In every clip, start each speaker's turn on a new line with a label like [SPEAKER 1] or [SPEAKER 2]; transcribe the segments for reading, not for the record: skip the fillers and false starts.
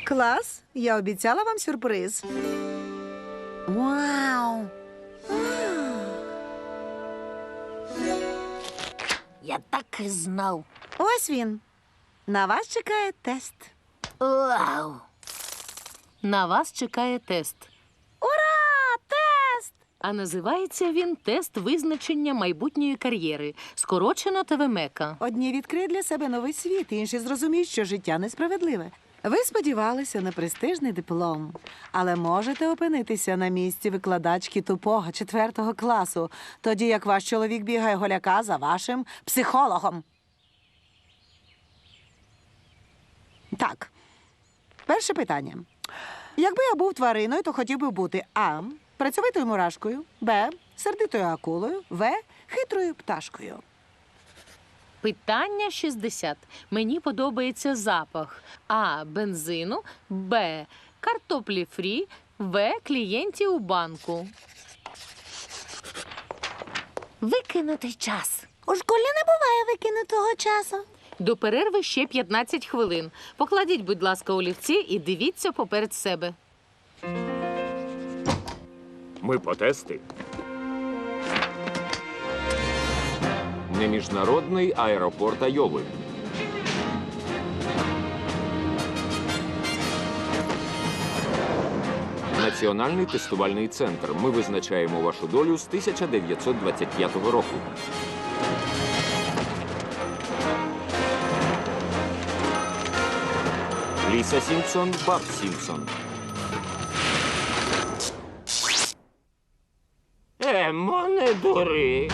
[SPEAKER 1] Клас, я обіцяла вам сюрприз.
[SPEAKER 2] Вау! Я так і знав.
[SPEAKER 1] Ось він. На вас чекає тест.
[SPEAKER 2] Вау!
[SPEAKER 3] На вас чекає тест.
[SPEAKER 1] Ура! Тест!
[SPEAKER 3] А називається він «Тест визначення майбутньої кар'єри», скорочено ТВМЕКа.
[SPEAKER 1] Одні відкриють для себе новий світ, інші зрозуміють, що життя несправедливе. Ви сподівалися на престижний диплом, але можете опинитися на місці викладачки тупого 4 класу, тоді як ваш чоловік бігає голяка за вашим психологом. Так, перше питання. Якби я був твариною, то хотів би бути а. працьовитою мурашкою, б. сердитою акулою, в. хитрою пташкою.
[SPEAKER 3] Питання 60. Мені подобається запах. А. Бензину. Б. Картоплі фрі. В. Клієнтів у банку.
[SPEAKER 2] Викинутий час. У школі не буває викинутого часу.
[SPEAKER 3] До перерви ще 15 хвилин. Покладіть, будь ласка, олівці і дивіться поперед себе.
[SPEAKER 4] Ми по тести. Не міжнародний аеропорт Айови. Національний тестувальний центр. Ми визначаємо вашу долю з 1925 року. Ліса Сімпсон, Барт Сімпсон. Емо, не дури.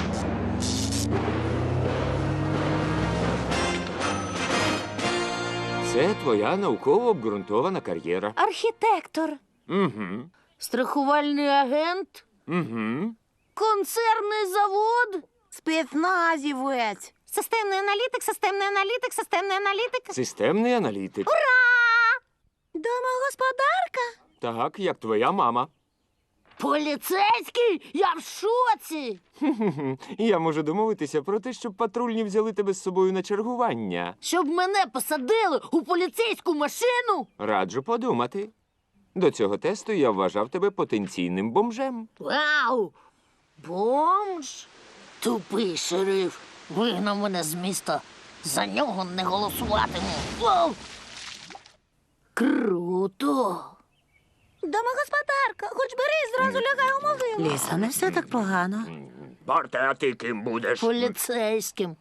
[SPEAKER 4] Це твоя науково обґрунтована кар'єра.
[SPEAKER 2] Архітектор.
[SPEAKER 4] Угу.
[SPEAKER 2] Страхувальний агент.
[SPEAKER 4] Угу.
[SPEAKER 2] Концерний завод.
[SPEAKER 1] Спецназівець.
[SPEAKER 2] Системний аналітик, системний аналітик, системний аналітик.
[SPEAKER 4] Системний аналітик.
[SPEAKER 1] Домогосподарка?
[SPEAKER 4] Так, як твоя мама.
[SPEAKER 2] Поліцейський? Я в шоці.
[SPEAKER 4] Я можу домовитися про те, щоб патрульні взяли тебе з собою на чергування.
[SPEAKER 2] Щоб мене посадили у поліцейську машину?
[SPEAKER 4] Раджу подумати. До цього тесту я вважав тебе потенційним бомжем.
[SPEAKER 2] Вау! Бомж? Тупий шериф. Вигнав мене з міста. За нього не голосуватиму. Вау! Круто!
[SPEAKER 1] Домогосподарка, хоч бери і зразу лягай у могилу. Ліса, не все так погано.
[SPEAKER 4] Барте, а ти ким будеш?
[SPEAKER 2] Поліцейським.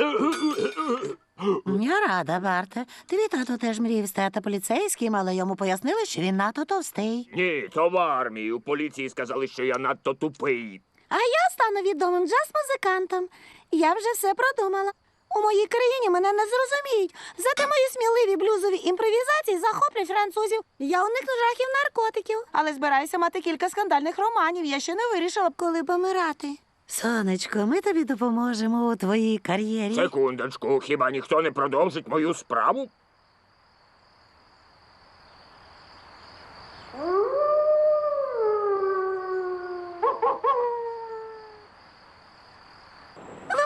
[SPEAKER 1] Я рада, Барте. Твій тато теж мріяв стати поліцейським, але йому пояснили, що він надто товстий.
[SPEAKER 4] Ні, то в армії. У поліції сказали, що я надто тупий.
[SPEAKER 1] А я стану відомим джаз-музикантом. Я вже все продумала. У моїй країні мене не зрозуміють. Зате мої сміливі блюзові імпровізації захоплять французів. Я уникну жахів наркотиків. Але збираюся мати кілька скандальних романів. Я ще не вирішила б, коли помирати. Сонечко, ми тобі допоможемо у твоїй кар'єрі.
[SPEAKER 4] Секундочку, хіба ніхто не продовжить мою справу?